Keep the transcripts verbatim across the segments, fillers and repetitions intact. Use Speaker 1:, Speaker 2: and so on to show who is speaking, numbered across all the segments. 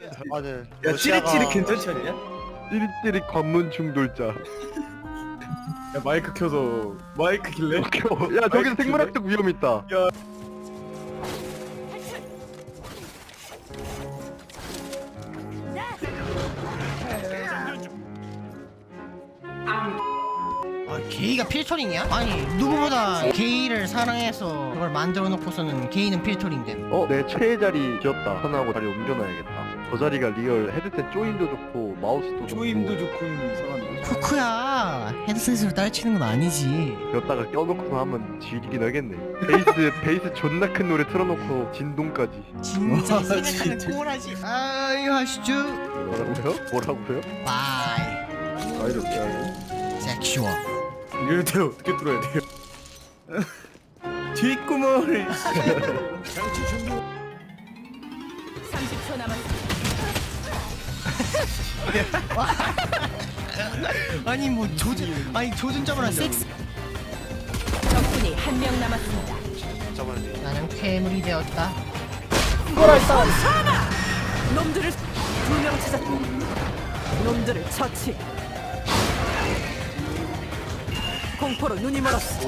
Speaker 1: 맞아.
Speaker 2: 야 찌릿찌릿 괜찮지 않냐?
Speaker 3: 찌릿찌릿 관문 충돌자.
Speaker 2: 야 마이크 켜서 마이크 킬래?
Speaker 3: 야 저기서 생물학적 위험 있다.
Speaker 2: 야.
Speaker 4: 아, 게이가 필터링이야? 아니 누구보다 게이를 사랑해서 그걸 만들어 놓고서는 게이는 필터링됨.
Speaker 3: 어, 내 최애 자리 비었다. 하나하고 자리 옮겨놔야겠다. 저 자리가 리얼 헤드셋 조임도 좋고 마우스도 좋고.
Speaker 2: 조임도 좋고 이상한데.
Speaker 4: 쿠쿠야, 헤드셋으로 딸치는 건 아니지.
Speaker 3: 여기다가 껴놓고서 하면 지리긴 하겠네. 베이스 베이스 존나 큰 노래 틀어놓고 진동까지.
Speaker 4: 진짜
Speaker 2: 와,
Speaker 4: 생각하면
Speaker 2: 진짜.
Speaker 4: 꼬라지. 아이 하시죠.
Speaker 3: 뭐라고요? 뭐라고요?
Speaker 4: 바이.
Speaker 2: 아 이렇게 하고.
Speaker 4: 섹슈얼.
Speaker 2: 이럴 때 어떻게 뚫어야 돼요? 뒷구멍을.
Speaker 5: 삼십 초 남았습니다.
Speaker 4: 아니 뭐 조준 아니 조준점을 섹스.
Speaker 5: 적군이 한 명 남았습니다.
Speaker 1: 저번에
Speaker 4: 나는 괴물이 되었다.
Speaker 5: 놈들을 두 명 찾았고 놈들을 처치. 공포로 눈이 멀었어.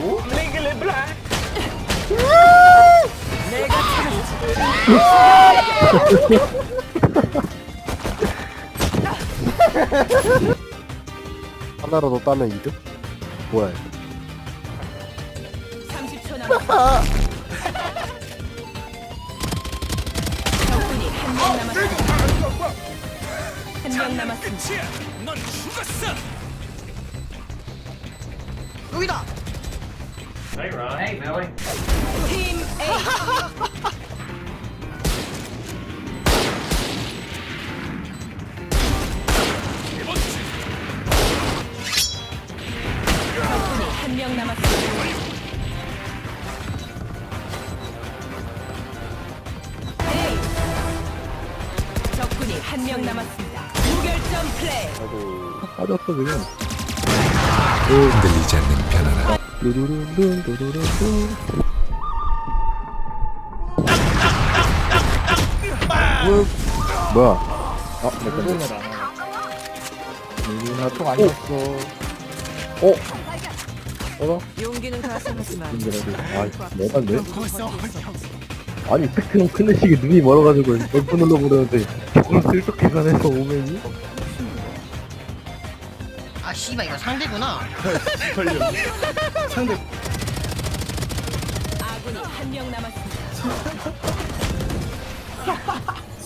Speaker 5: 내가 찾았지.
Speaker 3: 하나라도 따면 이득? 뭐야?
Speaker 5: 삼십 초 남았습니다. 적군이 한 명 남았습니다. 한 명 남았습니다.
Speaker 4: 여기다.
Speaker 5: 팀 A. 적군이 한 명 남았습니다. A. 적군이 한 명 남았습니다. 무결점 플레이.
Speaker 3: 빠졌어 그냥.
Speaker 6: 흔들리지 않는 편안함.
Speaker 3: 루루룬룬 루루룬룬. 뭐야? 아, 잠깐만. 나총 안 줬어. 어? 어?
Speaker 5: 용기는 가상하지만
Speaker 3: 아, 내가네?
Speaker 4: 벌써
Speaker 3: 아니, 스펙트럼 큰 애식이 눈이 멀어가지고 몇 번 눌러보려는데 조금 슬쩍 계산해서 오면이?
Speaker 4: 아 씨발 이거 상대구나.
Speaker 2: 걸려. 상대